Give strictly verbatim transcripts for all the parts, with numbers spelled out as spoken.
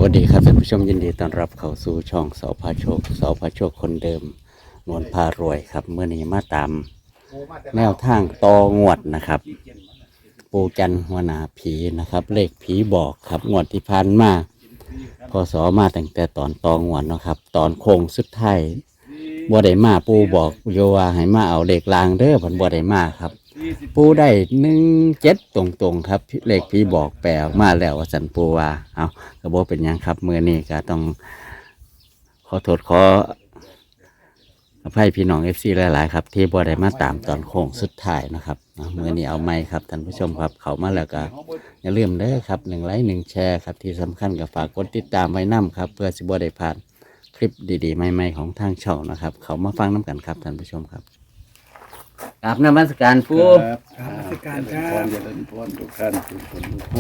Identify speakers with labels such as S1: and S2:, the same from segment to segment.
S1: วัสดีครับท่านผู้ชมยินดีต้อนรับเข้าสู่ช่องเสาพาโชคเสาพาโชคคนเดิมนวลพารวยครับเมื่อนี้มาตามแนวทางตองวดนะครับ ปูจันหัวหนาผีนะครับ เลขผีบอกครับงวดที่ผ่านมาพศมาตั้งแต่ตอนตองวดเนาะครับ ตอนโค้งสุดท้ายบัวได้มาปูบอกโยว่าให้มาเอาเลขลางเด้อผันบัวได้มาครับ ปูได้หนึ่งเจ็ดตรงๆครับเลขพี่บอกแปลออกมาแล้วว่าสันปูว่าเอากระโบเป็นยังครับเมื่อนี้ก็ต้องขอโทษขออภัยพี่น้องเอฟซีหลายๆครับที่บัวได้มาตามตอนโค้งสุดท้ายนะครับเมื่อนี้เอาไม่ครับท่านผู้ชมครับเขามาแล้วก็อย่าลืมเด้อครับหนึ่งไลค์หนึ่งแชร์ครับที่สำคัญกับฝากกดติดตามไว้นำครับเพื่อสิบัวได้ผ่านคลิปดีๆใหม่ๆของทางช่องนะครับเขามาฟังน้ำกันครับท่านผู้ชมครับกราบนมัสการปู
S2: ครับ
S3: ครับราชการครั
S2: พ
S3: บ
S2: รเจริญพรทุกท่านทุกคนทุกคน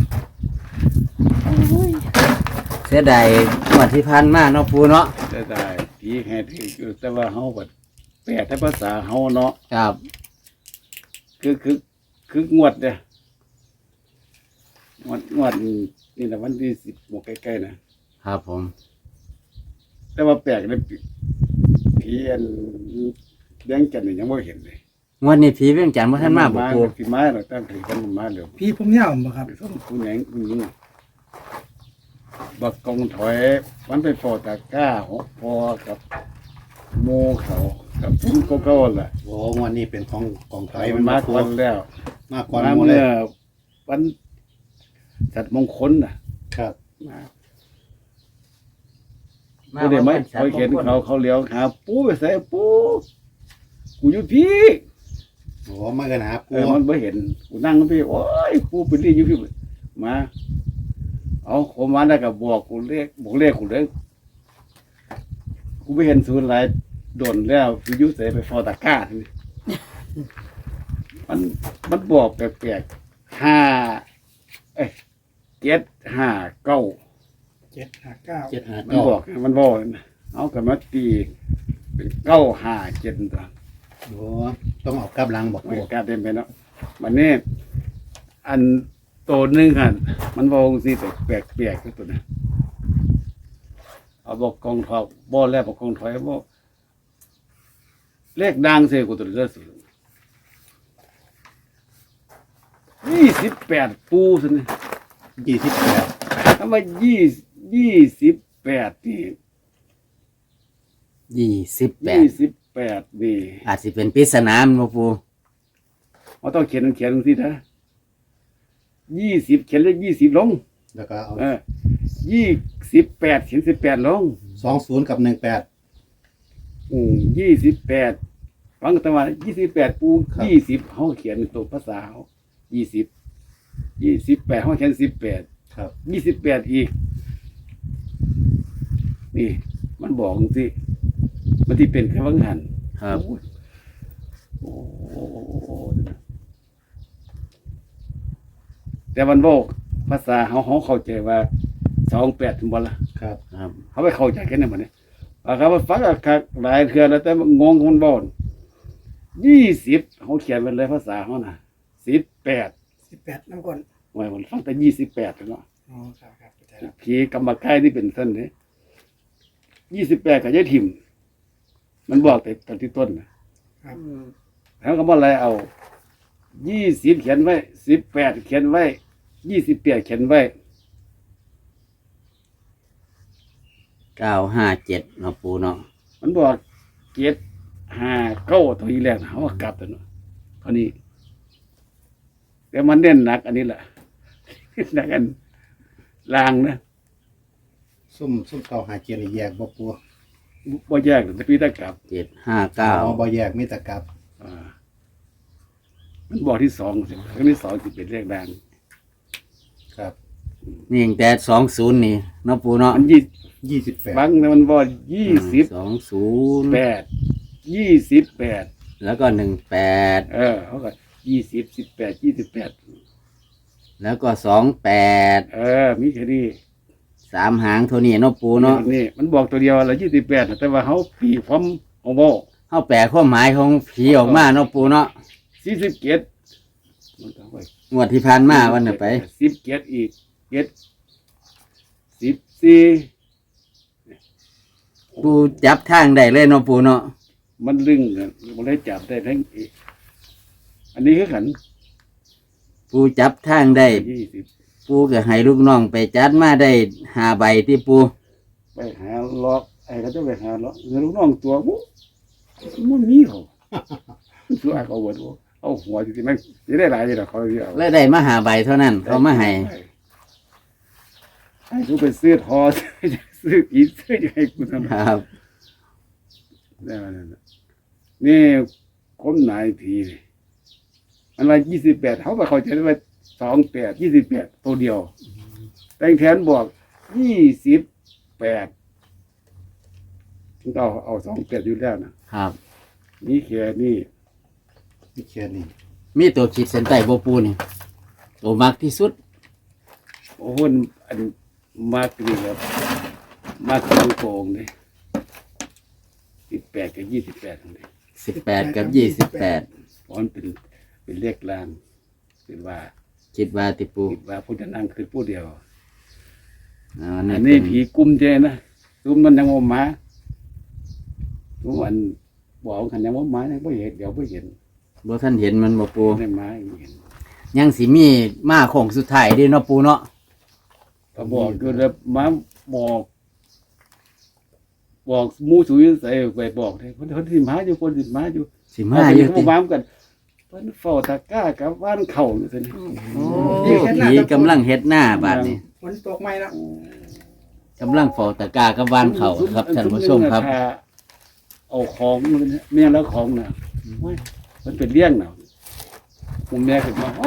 S1: เสียดายงวดที่ผ่านมาเนาะปูเนาะ
S2: จะได้ผีแห่ถืออยู่แต่ว่าเฮาบัดแปลแต่ภาษาเฮาเนาะ
S1: ครับ
S2: คือคือคืองวดเนี่ยงวดงวดนี่นะวันที่สิบหมกใกล้ๆนะครับ
S1: ผม
S2: แต่ว่าแปลกเลยผีอันเลี้ยงกันนี่ยังไม่เห็นเลย
S1: งวดนี้ผีเวียงจันทร์บ่ท่านมาบ่ปู
S2: ผีไม้เราตั้งถือกันมาเดี๋ยว
S3: พี่ผมยาวบ่ครับ
S2: ไปส่งคุณแหงคุณยิงบักกองถอยมันไปพอตะกร้าหกพอกับโมเขากับพุ่งเขาเขาแหละ
S4: โอ้งวันนี้เป็นของกองไท
S2: ไป
S4: ย
S2: มันมากวันแล้ว
S4: มากกว่า
S2: มา
S4: หมดเล
S2: เมื่
S4: ย
S2: อวันจัดมงคลน่ะ
S4: ครับ
S2: มาไม่ได้ไหมเขาเห็นเขาเขาเลี้ยวหาปูไปใส่ปูกูอยู่พี่
S4: โอ้มากันหา
S2: เอ
S4: ปู
S2: อมันไม่เห็นกูนั่งพี่โอ้ยปูไปเรียกอยู่พี่มาเอาผมมาได้กับบอกกูเรียกบอกเรียกกูเลยกูไม่เห็นศูนย์หลายโดนแล้ววิยุใส่ไปฟอตาก้าทีนี้มันมันบอกแปลกๆห้าเอ้ยเจ็ดห้าเก้า
S3: เจ็ดห้าเก้า
S4: เจ็ดหา
S2: มัน
S4: เก้า
S2: บอกมันบอกนะเอากับมาตีเป็นเก้าห้าเจ็ดตัว
S4: โอ้ต้องเอากลับหลังบอก
S2: ไม่
S4: ปู
S2: กล้าเต็มไปเนาะมันนี่อันโตหนึงหันมันบอกสิแต่แปลกแปลกๆตัวนะเอาบอกกองทอยบ่อแล้วบอกกองถอยบอกเลขดังเสียกูตัวเลือดสิยี่สิบแปดปูสินะ
S4: ยี่สิบแปด
S2: ถ้าว่ายี่ยี่สิบแปดนี่
S1: ยี่สิบแปด
S2: ยี่สิบแปดนี่
S1: อาจสิเป็นปริศนาแม่นบ่ปู
S2: เราต้องเขียนเขียนลงสินะยี่สิบเขียนเลขยี่สิบลง
S4: แล้วก็เอา
S2: เออยี่สิบแปดเขียนสิบแปดลง
S4: สองศูนย์กับหนึ่งแปด
S2: อืมยี่สิบแปดฟังกันว่ายี่สิบแปดปูยี่สิบเขาเขียนตัวภาษาเขายี่สิบยี่สิบแปดเขาเขียนสิบแปด
S4: ครับ
S2: ยี่สิบแปดอีก นี่ มันบอกสิมันที่เป็นแค่วังหัน
S1: ครับ
S2: โอ้โหแต่มันบอกภาษาเขาเขาเข้าใจว่าสองแปดถึงบอลละ
S4: ครับ
S1: ครับ
S2: เขาไปเข้าใจแค่นั้นหมดเนี่ยว่าเขาว่าฟังอะหลายเทือแล้วแต่งงมันบอลยี่สิบเขาเขียนไว้เลยภาษาเขานะสิบแปด
S3: สิบแปดน้ำก่อน
S2: ไว้มันฟังแต่ยี่สิบแปดเนาะ
S3: อ๋อครับครับเข้าใจแล้ว
S2: ผีกำบักไก่ที่เป็นเส้นเนี่ยยี่สิบแปดกับยายทิมมันบอกแต่ตอนที่ต้นนะครับ แล้วก็บอกอะไรเอายี่สิบเขียนไว้สิบแปดเขียนไว้ยี่สิบแปดเขียนไว้
S1: เก้าห้าเจ็ดเนาะปูเนาะ
S2: มันบอกเจ็ดห้าเก้าตัวอีแรกนะเขาว่ากลับตัวเนาะเท่านี้แต่มันเน้นหนัก อันนี้แหละ หนักอันลางนะ
S4: ซุ่มซุ่มเก้าหาเจ็ดนี่แยกบอกปู
S2: บ่แยกแต่พี่ตะกลับ
S1: เจ็ดห้าเก้า
S4: อ๋อบ่แยกมีแต่กลับ
S2: อ่ามันบอกที่สองสิครั้งที่สองจะเป็นเลขดัง
S4: ครับ
S1: นี่ตั้งแต่สองศูนย์นี่เนาะปูเนาะ
S2: มันยี่
S4: ยี่สิบแปด
S2: บังนะมันบอกยี่สิบ
S1: สองศูนย์
S2: แปดยี่สิบแปด
S1: แล้วก็หนึ่งแปด
S2: เออเขาก็ยี่สิบสิบแปดยี่สิบแปด
S1: แล้วก็สองแปด
S2: เออ มีแค่นี้
S1: สามหางเท่านี้เนาะปูเนาะ
S2: นี่มันบอกตัวเดียวละยี่สิบแปดแต่ว่าเขาปีพร้อมเอาบอก
S1: เข้าแปลความหมายของผีออกมาเนาะปูเนาะ
S2: สี่สิบเกียรติ
S1: งวดที่ผ่านมาวันน่ะไป
S2: สิบเกียรติอีกเกียรติสิบสี่
S1: ปูจับทางได้เลยเนาะปูเนาะ
S2: มันลึงกันมันได้จับได้ทั้งอีกอันนี้คือขัน
S1: ปูจับทางได้
S2: ยี่สิบ
S1: ปูก็ให้ลูกน้องไปจัดมาได้หาใบที่ปู
S2: ไปหาล็อกไอ้เขาจะไปหาล็อกเงินลูกน้องตัวมุมันมีเขาตัวเอาหัวเอาหัวจริงๆมันจะได้หลายเลยเขาเอา
S1: แล้วได้มาหาใบเท่านั้นเขามาให้
S2: ให้กูไปซื้อทอซื้ออีซื้อใหญ่กูทำไม
S1: ครับ
S2: ได้มาแล้วนี่คนนายผีนี่มันว่ายี่สิบแปดเขาไปเขาจะได้ว่าสองแปดยี่สิบแปดตัวเดียว แต่งแทนบอกยี่สิบแปดต้องเอาเอาสองแปดอยู่แล้วนะครับ นี่แค่นี้
S4: นี่แค่นี้
S1: มีตัวขีดเส้นใต้บ่ปูนี่ตัวมักที่สุด
S2: โอ้โหอันมากนี่ครับมากตรงโกงเลยสิบแปดกับยี่สิบแปดตรงนี้
S1: สิบแปดกับยี่สิบแปด
S2: เพราะมันเป็นเป็นเลขล่างเป็นว่า
S1: คิดว่าติปู
S2: คิดว่าผู้จะนั่งคือผู้เดียว
S1: อ่า
S2: อั
S1: นี่
S2: น
S1: เป็
S2: นี้
S1: น
S2: ผีกุ้มเจนะกุ้มมันยังว่าหมาทุกวันบอกกันยังว่าหมายังไม่เห็นเดี๋ยวไม่เห็น
S1: บ่ท่านเห็นมันบ่ปู
S2: ไม่หมายังเห็น
S1: ยังสิมีมาโค้งสุดท้ายเด้เนาะปูเนาะ
S2: ก็บอกก็เลยมาบอก บอกหมูสุยใส่ไปบอกเลยคนคนที่หมาอยู่คนที่หมาอยู่
S1: สิมาอยู่
S2: เข
S1: ติ
S2: บ้ามกันเพิ่นเฝ้าตะกร้ากับบ้านเข่าอยู่ซั่น
S1: โอ้ผีกำลังเฮ็ดหน้าบาดนี้
S3: ฝนตกไหมแล้ว
S1: กำลังเฝ้าตะกร้ากับวานเขาครับท่านผู้ชมครับ
S2: เอาของมันเนี่ยแม่แล้วของน่ะโอ้ยมันเป็นเลี้ยงน่ะผมแม่ขึ้นมาอ๋อ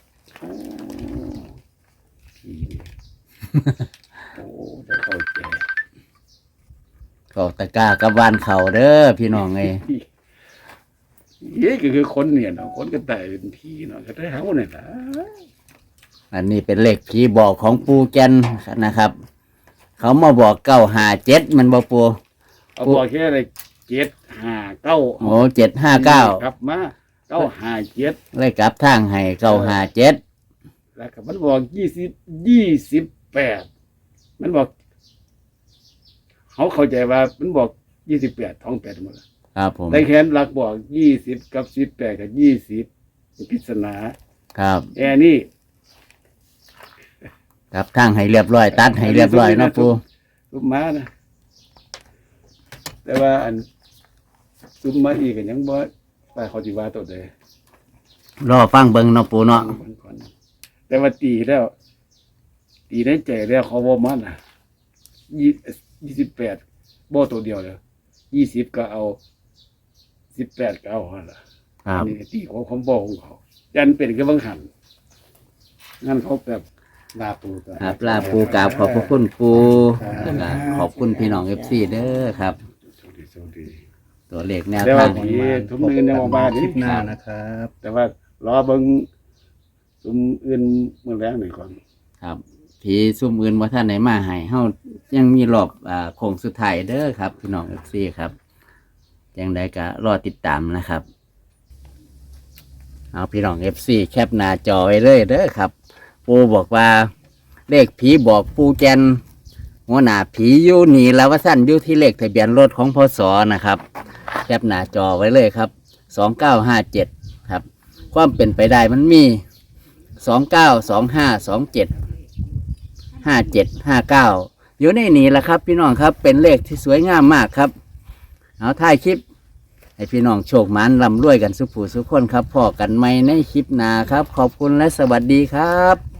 S2: ผีนี่โอ้จะเข้าใจ
S1: เฝ้าตะกร้ากับวานเขาเด้อพี่น้องเอ้ย
S2: เย้ก็คือคนเนี่ยเนาะคนก็ตายเป็นผีเนาะก็ได้เฮาเนี่ยล่ะ
S1: อันนี้เป็นเลขผีบอกของปูแกนนะครับ เขามาบอกเก้าหาเจ็ดมันบ่ปู
S2: เอาบอกแค่อะไรเจ็ดห้าเก้า
S1: โอ้เจ็ดห้าเก้า
S2: ครับมาเก้าห้าเจ็ด
S1: เลยกลับทางให้เก้าหาเจ็ด
S2: แล้วก็มันบอกยี่สิบยี่สิบแปดมันบอกเขาเข้าใจว่ามันบอกยี่สิบแปดท้องแปดหมดแล้ว
S1: ครับผม
S2: ได้แค้นหลักบอกยี่สิบกับสิบแปดกับยี่สิบพิศนา
S1: ครับ
S2: แอร์นี่
S1: กลับทางให้เรียบร้อยตัดให้เรียบร้อยเนาะปู
S2: ซุมมานะแต่ว่าอันซุมมาอีกก็ยังบ่ไปเขาจิว่าตัวเดย
S1: รอฟังเบิ่งเนาะปูเนาะ
S2: ก่อนแต่ว่าตีแล้ว ตีได้ใจแล้วเขาบ่มันอ่ะยี่ยี่สิบแปดบ่ตัวเดียวเลยยี่สิบก็เอาสิบแปดก็เอาหั่นล่ะ
S1: ครับ
S2: อันนี้ตีของของบ่ของเขายันเป็นก็บังหันงั้นเขาแบบ
S4: ลาปูตัว
S1: ครับลาปูกราบขอบพระคุณปูแล้วก็ขอบคุณพี่น้องเอฟซีเด้อครับ
S2: โชคดีโชคดี
S1: ตัวเลขแนว
S2: แต่ว่า
S1: ทาง
S2: ผีทุกมือยังออกมา
S4: ค
S2: ดิ
S4: ลิปหน้านะครับ
S2: แต่ว่ารอเบิ่งซุมอื่นเมื่อแรงหน่อยก่อน
S1: ครับผีซุ่มอื่นว่าท่านไหนมาให้เฮายังมีรอบอ่าโค้งสุดท้ายเด้อครับพี่น้องเอฟซีครับยังไดก็รอติดตามนะครับ เอาพี่น้องเอฟซีแคปหน้าจอไว้เลยเด้อครับ ปูบอกว่าเลขผีบอกปูแกนหัวหน้าผีอยู่นี่แล้วว่าสั้นอยู่ที่เลขทะเบียนรถของพศนะครับ แคปหน้าจอไว้เลยครับสองเก้าห้าเจ็ดครับ ความเป็นไปได้มันมีสองเก้าสองห้าสองเจ็ดห้าเจ็ดห้าเก้าอยู่ในนี้แหละครับ พี่น้องครับเป็นเลขที่สวยงามมากครับ เอาท้ายคลิป ให้พี่น้องโชคหมานร่ำรวยกันสุขผู้สุขคนครับพอกันไหมในคลิปหน้าครับ ขอบคุณและสวัสดีครับ